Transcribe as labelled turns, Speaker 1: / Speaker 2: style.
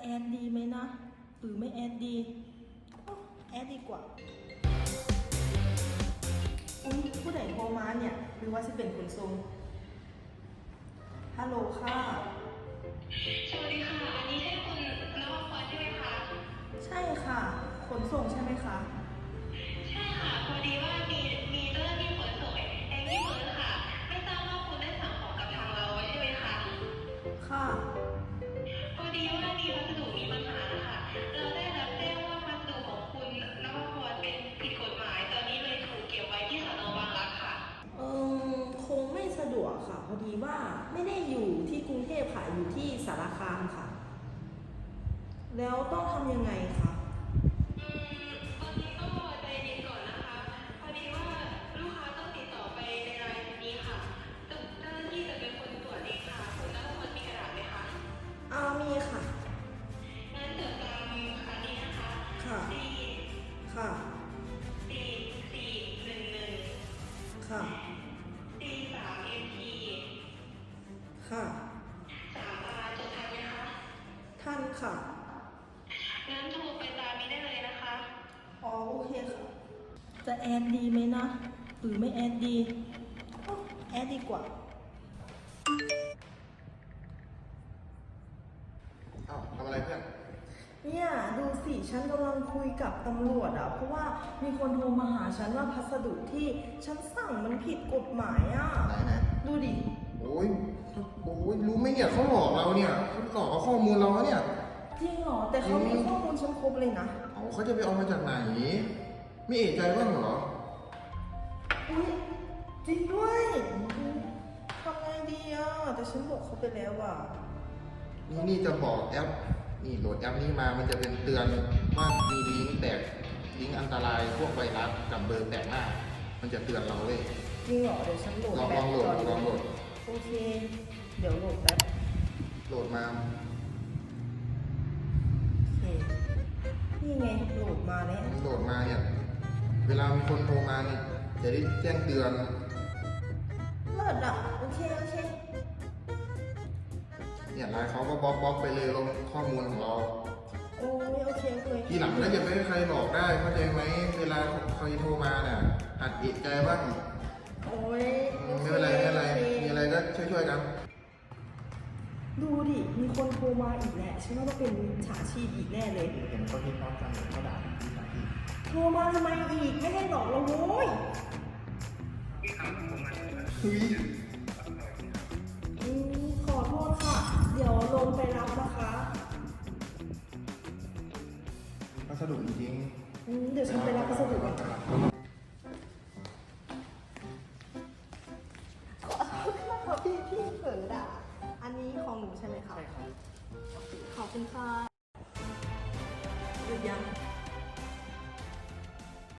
Speaker 1: แอดดีไหมนะหรือไม่แอดดีแอดดีกว่าผู้ใดโทรมาเนี่ยหรือว่าจะเป็นขนส่งฮัลโหลค่ะ
Speaker 2: สวัสดีค่ะอันนี้ใช่คุณนวพรใช่ไหมคะ
Speaker 1: ใช่ค่ะขนส่งใช่ไหมคะ
Speaker 2: ใช่ค่ะพอดีว่ามีเจ้าหน้าที่ขนส่งแองกี้เบิร์ดค่ะไม่ทราบว่าคุณได้สั่งของกับทางเราไว้ใช่ไหมคะ
Speaker 1: ค่ะ
Speaker 2: พอดีว่ามีพัสดุมีปัญหานะคะเราได้รับแจ้งว่าพัสดุของคุณนวพรเป็นผิดกฎหมายตอนนี้เลยถูกเก็บไว้ที่สน.บางรักค่ะ
Speaker 1: คงไม่สะดวกค่ะพอดีว่าไม่ได้อยู่ที่กรุงเทพค่ะอยู่ที่สารคามค่ะแล้วต้องทำยังไงคะ
Speaker 2: ตอนนี้ก็ใจเย็นก่อนนะคะพอดีว่าลูกค้าต้องติดต่อไปในรายนี้ค่ะเจ้าหน้าที่จะเป็นคนตรวจเองค่ะคุณนวพรมีกระดาษไหมคะ
Speaker 1: มีค่ะ
Speaker 2: งั้นเดี๋ยวตามอันนี้นะคะ
Speaker 1: ค่ะค่ะ
Speaker 2: 44111
Speaker 1: ค่ะ
Speaker 2: 3MP
Speaker 1: ค่ะ
Speaker 2: 3R จดทันไหมคะ
Speaker 1: ท่านค่ะ
Speaker 2: งั้นโทรไปตามนี้ได้เลยนะคะ
Speaker 1: โอเคค่ะจะแอดดีไหมนะหรือไม่แอดดีแอดดีกว่า
Speaker 3: ทำอะไรเพื่อน
Speaker 1: เนี่ยดูสิฉันกำลังคุยกับตำรวจเพราะว่ามีคนโทรมาหาฉันว่าพัสดุที่ฉันสั่งมันผิดกฎหมาย
Speaker 3: ไหน
Speaker 1: ดูดิ
Speaker 3: โอ้ยรู้ไหมเนี่ยเขาหลอกเราเนี่ยเขาหลอกเอาข้อมูลเราเนี่ย
Speaker 1: จริงเหรอแต่เขามีข้อมูลฉันครบเลยนะ
Speaker 3: เขาจะไปเอามาจากไหนไม่เอะใจบ้างเหรอ
Speaker 1: อุ้ยจริงด้วยทำไงดีแต่ฉันบอกเขาไปแล้ว
Speaker 3: นี่จะบอกแอปนี่โหลดแอปนี้มามันจะเป็นเตือนว่ามีลิงก์อันตรายพวกไวรัสกับเบอร์แปลกหน้ามันจะเตือนเราเลย
Speaker 1: จริงเหรอเดี๋ยวฉันโหลด
Speaker 3: ลองโหลด
Speaker 1: โอเคเดี๋ยวโหลดแป๊บ
Speaker 3: โหลดมา
Speaker 1: โอเคนี่ไงโหลดมาแล้ว
Speaker 3: โหลดมาเนี่ยเวลามีคนโทรมาเนี่ยจะได้แจ้งเตือน
Speaker 1: เลิศโอเค
Speaker 3: เนี่ยไลน์เขาก็บล็อกไปเลยลงข้อมูลของเรา
Speaker 1: โอ้ยโอเค
Speaker 3: ทีหลังถ้าจะไม่ให้ใครหลอกได้เข้าใจไหมเวลาใครโทรมาเนี่ยหัดเอะใจบ้าง
Speaker 1: โอ้ย
Speaker 3: ไม่เป็นไรมีอะไรก็ช่วยกัน
Speaker 1: ดูดิมีคนโทรมาอีกแหละฉันว่าต้องเป็นมิจฉาชีพอีกแน่เลย
Speaker 3: เห็นเขาคิดพร้อมกันเขาด่ามิจฉาชีพ
Speaker 1: โทรมาทำไมอีกไม่ให้หลอกเราโว้ยขอโทษค่ะเดี๋ยวลงไปรับนะคะ
Speaker 3: พัสดุจริง
Speaker 1: เดี๋ยวฉันไปรับพัสดุก่อนขอโทษค่ะพี่เผลอด่าอันนี้ของหนูใช่ไหมคะใช่ครับขอบคุณค่ะหยุดยัง